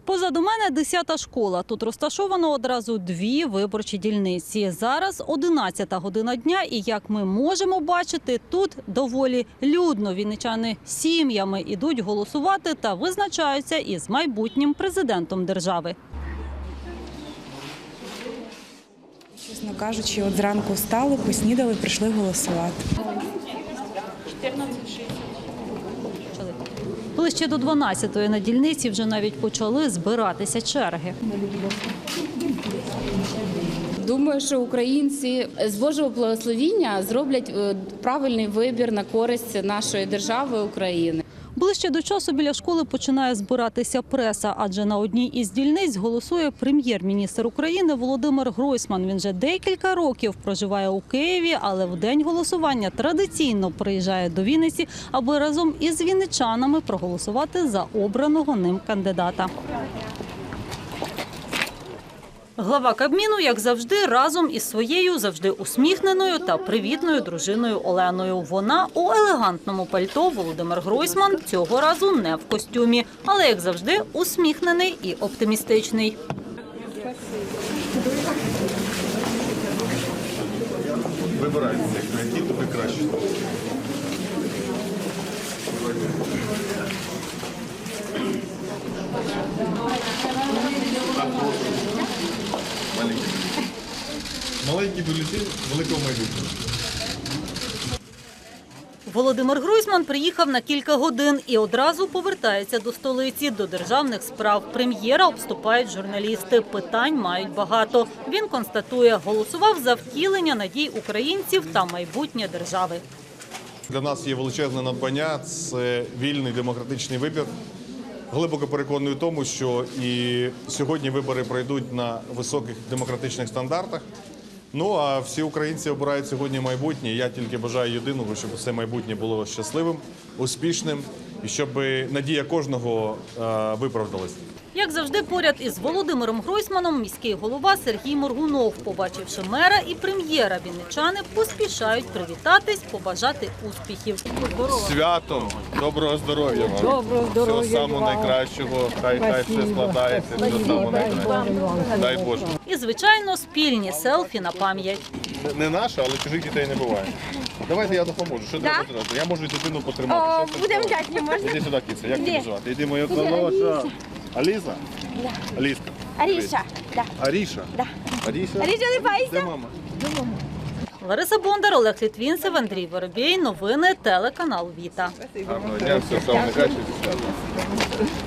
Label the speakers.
Speaker 1: Позаду мене 10-та школа. Тут розташовано одразу дві виборчі дільниці. Зараз 11-та година дня і, як ми можемо бачити, тут доволі людно. Вінничани сім'ями ідуть голосувати та визначаються із майбутнім президентом держави.
Speaker 2: Чесно кажучи, от зранку встали, поснідали, прийшли голосувати.
Speaker 1: Ближче до 12-ї на дільниці вже навіть почали збиратися черги.
Speaker 3: Думаю, що українці з Божого благословіння зроблять правильний вибір на користь нашої держави України.
Speaker 1: Ближче до часу біля школи починає збиратися преса, адже на одній із дільниць голосує прем'єр-міністр України Володимир Гройсман. Він вже декілька років проживає у Києві, але в день голосування традиційно приїжджає до Вінниці, аби разом із вінничанами проголосувати за обраного ним кандидата. Глава Кабміну, як завжди, разом із своєю завжди усміхненою та привітною дружиною Оленою. Вона у елегантному пальто, Володимир Гройсман цього разу не в костюмі, але, як завжди, усміхнений і оптимістичний.
Speaker 4: Вибирайте, які тобі краще. Маленький бюлетень великого майбутнього.
Speaker 1: Володимир Гройсман приїхав на кілька годин і одразу повертається до столиці, до державних справ. Прем'єра обступають журналісти. Питань мають багато. Він констатує, голосував за втілення надій українців та майбутнє держави.
Speaker 4: Для нас є величезне надбання – це вільний демократичний вибір. Глибоко переконаний в тому, що і сьогодні вибори пройдуть на високих демократичних стандартах. Ну, а всі українці обирають сьогодні майбутнє. Я тільки бажаю єдиного, щоб це майбутнє було щасливим, успішним і щоб надія кожного виправдалась.
Speaker 1: Як завжди, поряд із Володимиром Гройсманом міський голова Сергій Моргунов. Побачивши мера і прем'єра, вінничани поспішають привітатись, побажати успіхів.
Speaker 4: Святом! Доброго здоров'я вам!
Speaker 5: Доброго здоров'я!
Speaker 4: Всього самого найкращого! Хай все складається, всього самого найкращого! Дай Боже!
Speaker 1: І, звичайно, спільні селфі на пам'ять.
Speaker 4: Не наше, але чужих дітей не буває. Давайте я допоможу. Що треба зробити? Я можу дитину потримати.
Speaker 5: Будемо вдячні, можна?
Speaker 4: Іди сюди, кіця. Як тебе звати? Іди, моя хороша. Аліса?
Speaker 5: Да.
Speaker 4: Аліска.
Speaker 5: Аріша. Да.
Speaker 4: Аріша?
Speaker 5: Да.
Speaker 4: Аріша?
Speaker 5: Аріша, не бойся.
Speaker 4: Де мама?
Speaker 1: Лариса Бондар, Олег Літвінцев, Андрій Воробей. Новини телеканал Віта.
Speaker 4: Гарного дня, все самого найкращого.